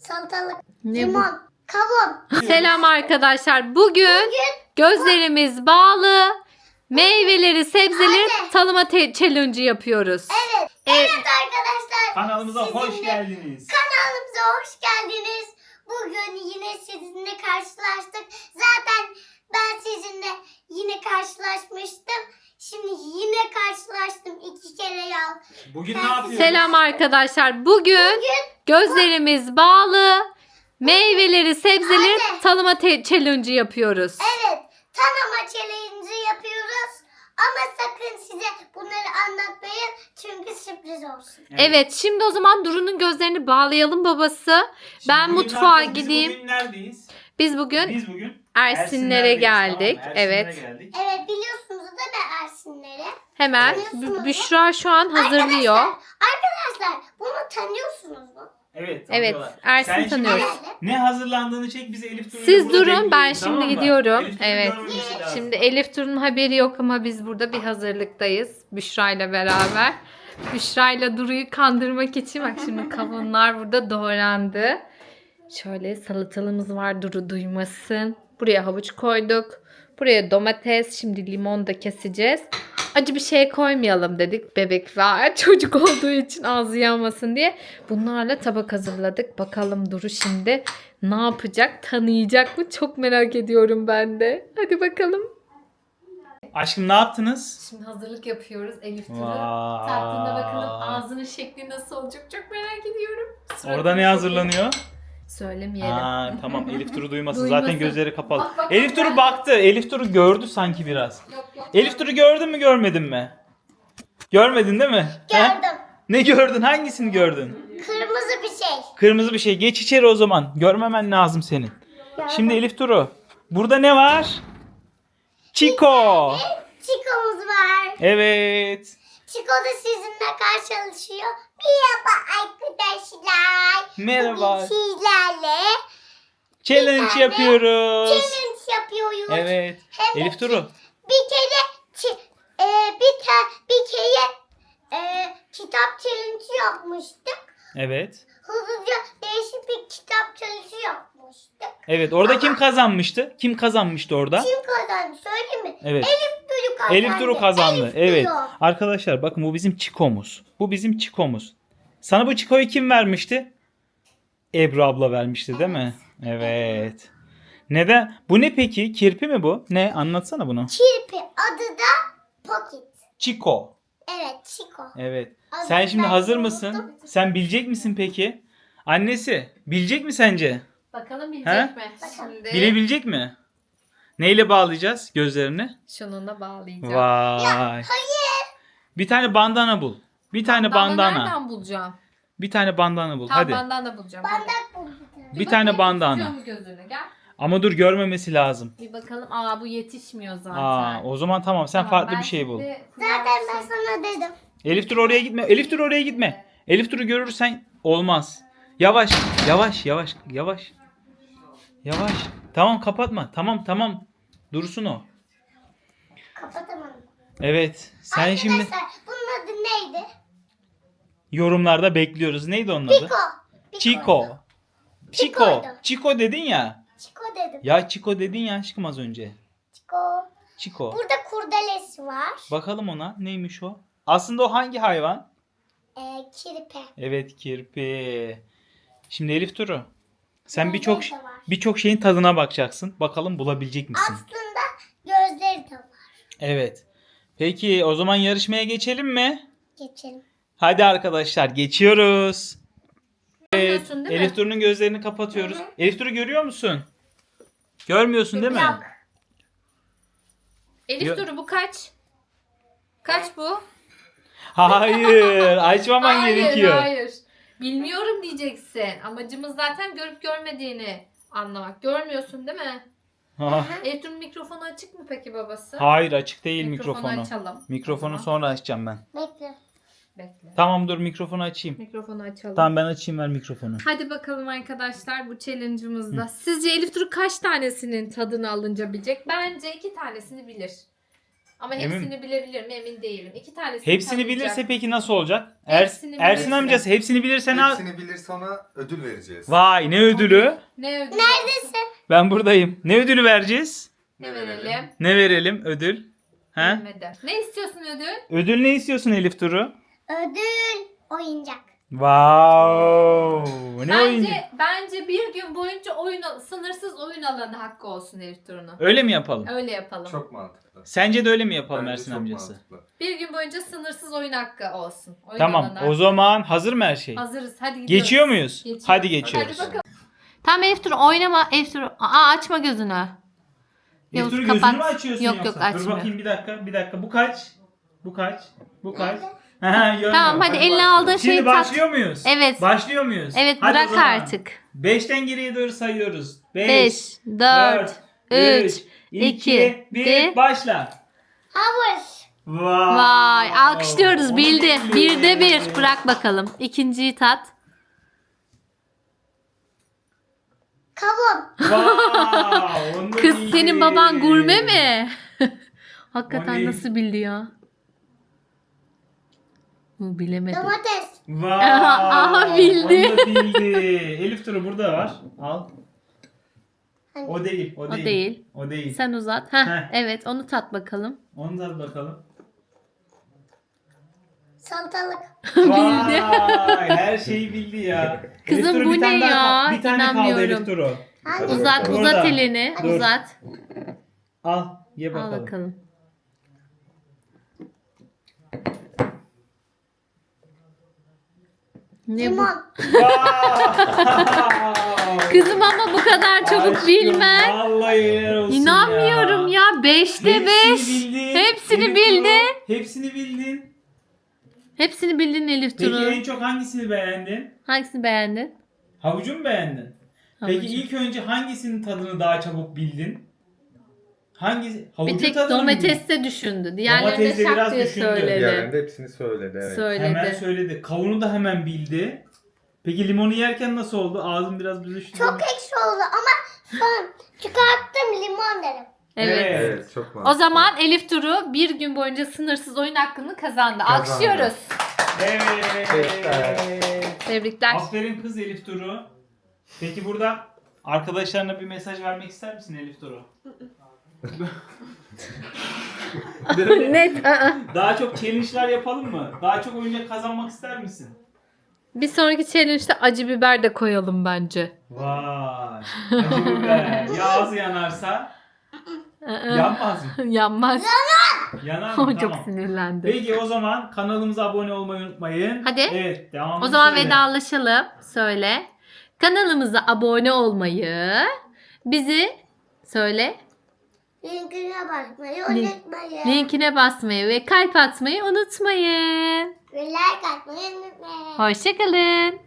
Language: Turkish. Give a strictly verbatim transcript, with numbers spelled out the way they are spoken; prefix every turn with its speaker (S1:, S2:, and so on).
S1: salatalık,
S2: Ne
S1: limon, kavun.
S2: Selam arkadaşlar. Bugün
S1: Bugün
S2: gözlerimiz bağlı, meyveleri, sebzeleri
S1: Anne.
S2: tanıma te- challenge yapıyoruz.
S1: Evet.
S2: Evet.
S1: Evet arkadaşlar.
S3: Kanalımıza hoş
S1: sizinle-
S3: geldiniz.
S1: Kanalımıza hoş geldiniz. Bugün yine sizinle karşılaştık. Zaten ben sizinle yine karşılaşmıştım. Şimdi yine karşılaştım iki kere ya.
S3: Bugün
S1: Ben
S3: ne yapıyoruz?
S2: Selam arkadaşlar. Bugün
S1: Bugün
S2: gözlerimiz bağlı, meyveleri, sebzeleri
S1: Anne.
S2: tanıma te- challenge yapıyoruz.
S1: evet tanıma challenge'ı yapıyoruz. Ama sakın size bunları anlatmayın. Çünkü sürpriz olsun.
S2: Evet, şimdi o zaman Duru'nun gözlerini bağlayalım babası.
S3: Şimdi
S2: Ben
S3: bugün
S2: mutfağa
S3: ne yapacağız?
S2: gideyim.
S3: Biz bugün neredeyiz?
S2: Biz bugün
S3: Biz bugün
S2: Ersinlere geldik.
S3: Tamam, Ersinlere
S2: Evet.
S3: geldik.
S1: Evet biliyorsunuz da ben Ersinlere.
S2: Hemen
S1: Tanıyorsunuz
S2: Bü-
S1: mu?
S2: Büşra şu an hazırlıyor.
S1: Arkadaşlar, arkadaşlar bunu tanıyorsunuz mu?
S3: Evet.
S2: Evet,
S3: tanıyorlar.
S2: Ersin
S3: Sen şimdi
S2: tanıyoruz.
S3: Ne hazırlandığını çek bize Elif Duru'yla
S2: Siz
S3: burada
S2: durun,
S3: bekleyin,
S2: ben
S3: tamam
S2: şimdi
S3: mı?
S2: gidiyorum.
S3: Elif Duru'nun
S2: Evet.
S3: görmemesi lazım.
S2: Şimdi Elif Duru'nun haberi yok ama biz burada bir hazırlıktayız. Büşra ile beraber. Büşra ile Duru'yu kandırmak için bak şimdi kavunlar burada doğrandı. Şöyle salatalığımız var, Duru duymasın. Buraya havuç koyduk. Buraya domates. Şimdi limon da keseceğiz. Acı bir şey koymayalım dedik. Bebek var. Çocuk olduğu için ağzı yanmasın diye. Bunlarla tabak hazırladık. Bakalım Duru şimdi ne yapacak? Tanıyacak mı? Çok merak ediyorum ben de. Hadi bakalım.
S3: Aşkım ne yaptınız?
S2: Şimdi hazırlık yapıyoruz. Elif Duru.
S3: Vay.
S2: Tatlında bakalım ağzının şekli nasıl olacak? Çok merak ediyorum. Suratını
S3: Orada ne
S2: çok
S3: hazırlanıyor?
S2: Söylemeyelim.
S3: Aa, tamam Elif Duru duymasın.
S2: Duymasın.
S3: Zaten gözleri kapalı.
S2: Bak, bak,
S3: Elif
S2: bak,
S3: Duru
S2: bak.
S3: baktı. Elif Duru gördü sanki biraz.
S2: Yok yok.
S3: Elif Duru gördün mü görmedin mi? Görmedin değil mi? He?
S1: Gördüm.
S3: Ne gördün? Hangisini gördün?
S1: Kırmızı bir şey.
S3: Kırmızı bir şey. Geç içeri o zaman. Görmemen lazım senin. Şimdi Elif Duru. Burada ne var? Çiko.
S1: Çikomuz var.
S3: Evet.
S1: Çiko da sizinle karşı çalışıyor. Merhaba arkadaşlar.
S3: Merhaba.
S1: Bugün sizlerle
S3: Challenge
S1: tane
S3: yapıyoruz.
S1: challenge yapıyoruz.
S3: Evet.
S1: Hem de
S3: Elif Duru.
S1: Bir kere çi- e, bir ta, bir kere e, kitap challenge yapmıştık.
S3: Evet.
S1: Hızlıca değişik bir kitap challenge yapmıştık.
S3: Evet. Orada kim kazanmıştı? Kim kazanmıştı orada?
S1: Kim kazandı söyleyeyim mi?
S3: Evet.
S1: Elif Duru kazandı.
S3: Elif Duru kazandı.
S1: Elif
S3: Evet.
S1: Duru.
S3: Arkadaşlar bakın bu bizim Çiko'muz. Bu bizim Çiko'muz. Sana bu Çiko'yu kim vermişti? Ebru abla vermişti değil mi? Evet. Neden? Bu ne peki? Kirpi mi bu? Ne? Anlatsana bunu.
S1: Kirpi adı da Pocket.
S3: Çiko.
S1: Evet Çiko.
S3: Evet.
S1: Adını
S3: Sen şimdi
S1: ben
S3: hazır
S1: unuttum.
S3: mısın? Sen bilecek misin peki? Annesi bilecek mi sence?
S2: Bakalım bilecek
S3: He?
S2: mi? Şimdi
S3: Bilebilecek mi? Neyle bağlayacağız gözlerini?
S2: şununla bağlayacağım.
S3: Vay. Bir tane bandana bul. Bir tane bandana.
S2: Nereden bulacağım?
S3: Bir tane bandana bul.
S2: Tamam
S3: Hadi.
S2: bandana bulacağım.
S1: Bandak buldum.
S3: Bir tane bandana.
S2: Tutuyor mu gözünü? Gel.
S3: Ama dur görmemesi lazım.
S2: Bir bakalım. Aa bu yetişmiyor zaten.
S3: Aa, o zaman tamam sen
S2: Tamam,
S3: farklı
S2: ben
S3: bir şey bul.
S2: şimdi-
S1: Zaten ben sana dedim.
S3: Elif dur oraya gitme. Elif dur oraya gitme. Elif Dur'u görürsen olmaz. Yavaş, yavaş, yavaş, yavaş. Yavaş. Tamam kapatma. Tamam tamam. Dursun o.
S1: Kapatamadım.
S3: Evet. Sen
S1: Arkadaşlar
S3: şimdi
S1: bunun adı neydi?
S3: yorumlarda bekliyoruz. Neydi onun adı?
S1: Piko.
S3: Chico. Chico.
S1: Chico'ydu.
S3: Chico dedin ya.
S1: Çiko dedim.
S3: Ya Chico dedin ya aşkım az önce.
S1: Çiko.
S3: Chico.
S1: Burada kurdelesi var.
S3: Bakalım ona. Neymiş o? Aslında o hangi hayvan?
S1: Ee, kirpi.
S3: Evet kirpi. Şimdi Elif Duru. Sen
S1: Gözleri
S3: birçok
S1: de var.
S3: birçok şeyin tadına bakacaksın. Bakalım bulabilecek misin?
S1: Aslında gözleri de var.
S3: Evet. Peki o zaman yarışmaya geçelim mi?
S1: Geçelim.
S3: Hadi arkadaşlar geçiyoruz. Evet.
S2: Görmüyorsun değil mi?
S3: Elif Duru'nun gözlerini kapatıyoruz.
S1: Hı hı.
S3: Elif Duru görüyor musun? Görmüyorsun değil mi?
S1: Yok.
S2: Elif
S3: Yo-
S2: Duru bu kaç? Kaç bu?
S3: Hayır. Açmaman
S2: hayır,
S3: gerekiyor.
S2: hayır. Bilmiyorum diyeceksin. Amacımız zaten görüp görmediğini anlamak. Görmüyorsun değil mi?
S3: Ha-
S2: Elif Duru'nun mikrofonu açık mı peki babası?
S3: Hayır açık değil
S2: Mikrofonu
S3: mikrofonu.
S2: açalım.
S3: Mikrofonu
S2: O zaman.
S3: sonra açacağım ben.
S1: Bekle.
S2: Bekle.
S3: Tamam dur mikrofonu açayım.
S2: Mikrofonu açalım.
S3: Tamam ben açayım ver mikrofonu.
S2: Hadi bakalım arkadaşlar bu challenge'ımızda. Sizce Elif Duru kaç tanesinin tadını alınca bilecek? Bence iki tanesini bilir. Ama
S3: Emin
S2: hepsini bilebilir mi emin değilim. İki tanesini
S3: Hepsini
S2: tanıyacak.
S3: bilirse peki nasıl olacak? Er,
S2: Hepsini
S3: Ersin
S2: bilirse.
S3: amcası hepsini bilirse ne?
S4: Hepsini bilirse ona ödül vereceğiz.
S3: Vay ne ödülü?
S2: Ne ödül?
S1: Neredesin?
S3: Ben buradayım. Ne ödülü vereceğiz?
S2: Ne verelim?
S3: Ne verelim ödül? He?
S2: Bilmedi. Ne istiyorsun ödül?
S3: Ödül ne istiyorsun Elif Duru?
S1: Ödül oyuncak.
S3: Wow. Ne
S2: bence
S3: oyuncu?
S2: bence bir gün boyunca oyun al- sınırsız oyun alanı hakkı olsun Elif Duru'nun.
S3: Öyle mi yapalım?
S2: Öyle yapalım.
S4: Çok mantıklı.
S3: Sence de öyle mi yapalım
S4: Bence
S3: Ersin
S4: çok
S3: amcası?
S4: mantıklı.
S2: Bir gün boyunca sınırsız oyun hakkı olsun. Oyun
S3: Tamam.
S2: alanı
S3: O zaman hazır mı her şey?
S2: Hazırız. Hadi gidiyoruz.
S3: Geçiyor muyuz?
S2: Geçiyoruz.
S3: Hadi geçiyoruz.
S2: Hadi bakalım. Tamam Elif Duru oynama. Elif Duru. Aa açma gözünü.
S3: Elif
S2: Yavuz,
S3: Duru
S2: kapat.
S3: gözünü mü açıyorsun
S2: Yok,
S3: yoksa?
S2: yok,
S3: Dur
S2: açmıyor.
S3: bakayım bir dakika. Bir dakika. Bu kaç? Bu kaç? Bu kaç?
S1: Nerede?
S3: Ha, görmüyorum.
S2: Tamam hadi, eline
S4: başlayalım.
S2: aldığın şeyi
S3: Şimdi
S2: tat.
S3: başlıyor muyuz?
S2: Evet.
S3: Başlıyor muyuz?
S2: Evet
S3: Hadi o
S2: bırak
S3: zaman.
S2: artık.
S3: beşten geriye doğru sayıyoruz. beş,
S2: beş, dört, üç, iki,
S3: bir,
S2: bir.
S3: başla.
S1: Havuz.
S3: Vay.
S2: Vay alkışlıyoruz
S3: Onu
S2: bildi.
S3: bildi.
S2: Birde bir. Bırak bakalım. İkinciyi tat.
S1: Kavun.
S3: Vay, onu da
S2: Kız
S3: bildi.
S2: senin baban gurme mi? Hakikaten
S3: O ne?
S2: nasıl bildi ya? Bu bilemedi.
S1: Domates.
S3: Vay.
S2: Aha, bildi.
S3: Onu da bildi. Elif Duru burada var. Al.
S1: Hani
S3: O değil. O
S2: O
S3: değil.
S2: değil.
S3: O değil.
S2: Sen uzat. Heh,
S3: Heh.
S2: evet onu tat bakalım.
S3: Onu da bakalım.
S1: salatalık.
S3: Vay, her şeyi bildi ya.
S2: Kızım,
S3: Elif Duru,
S2: bu
S3: bir tane
S2: ne
S3: daha
S2: ya?
S3: kal- Bir tane kaldı
S2: İnanmıyorum.
S3: Elif Duru.
S1: Hangi?
S4: Hadi
S2: Uzat
S4: bakalım.
S2: uzat
S3: Burada.
S2: elini.
S3: Dur.
S2: Uzat.
S3: Al. Ye
S2: Al
S3: bakalım.
S2: bakalım. Ne bu?
S1: Limon.
S3: Vay.
S2: Kızım ama bu kadar çabuk
S3: Aşkım,
S2: bilmez.
S3: Vallahi helal olsun
S2: İnanmıyorum ya. Beşte
S3: Hepsini
S2: beş.
S3: bildin.
S2: Hepsini
S3: Elif
S2: bildi.
S3: Duru, Hepsini bildin.
S2: Hepsini bildin Elif
S3: Peki
S2: Turu.
S3: en çok hangisini beğendin?
S2: Hangisini beğendin?
S3: Havucu mu beğendin? Peki
S2: Havucu.
S3: ilk önce hangisinin tadını daha çabuk bildin? Hangisi? Havucu
S2: Bir tek
S3: tadını mı bildin?
S2: domateste düşündü. Diğerlerini
S3: Domatesi
S2: de şak
S3: biraz
S2: diye
S3: düşündü.
S2: söyledi.
S4: Diğerlerinde hepsini söyledi. Evet.
S2: Söyledi.
S3: Hemen söyledi. Kavunu da hemen bildi. Peki limonu yerken nasıl oldu? Ağzım biraz büzüştü.
S1: Çok ekşi oldu ama son çıkarttım limon dedim.
S2: Evet.
S3: Evet.
S4: Evet çok mantıklı.
S2: O zaman Elif Duru bir gün boyunca sınırsız oyun hakkını kazandı.
S4: Kazandı.
S2: Alkışlıyoruz.
S3: Evet.
S4: Tebrikler.
S2: Tebrikler.
S3: Aferin kız Elif Duru. Peki burada arkadaşlarına bir mesaj vermek ister misin Elif Duru? Böyle
S2: Net. ı-ı.
S3: daha çok challenge'lar yapalım mı? Daha çok oyuncak kazanmak ister misin?
S2: Bir sonraki challenge'de acı biber de koyalım bence.
S3: Vay. Acı biber. Ya ağzı yanarsa
S2: Aa,
S3: yanmaz mı?
S2: Yanmaz.
S3: Yanar
S2: O
S3: mı?
S2: çok
S3: Tamam.
S2: sinirlendi.
S3: Peki o zaman kanalımıza abone olmayı unutmayın.
S2: Hadi.
S3: Evet devam.
S2: O zaman vedalaşalım. Söyle. Kanalımıza abone olmayı, bizi söyle,
S1: Linkine basmayı
S2: Link-
S1: unutmayın.
S2: linkine basmayı ve kalp atmayı unutmayın.
S1: Ve like atmayı unutmayın.
S2: Hoşçakalın.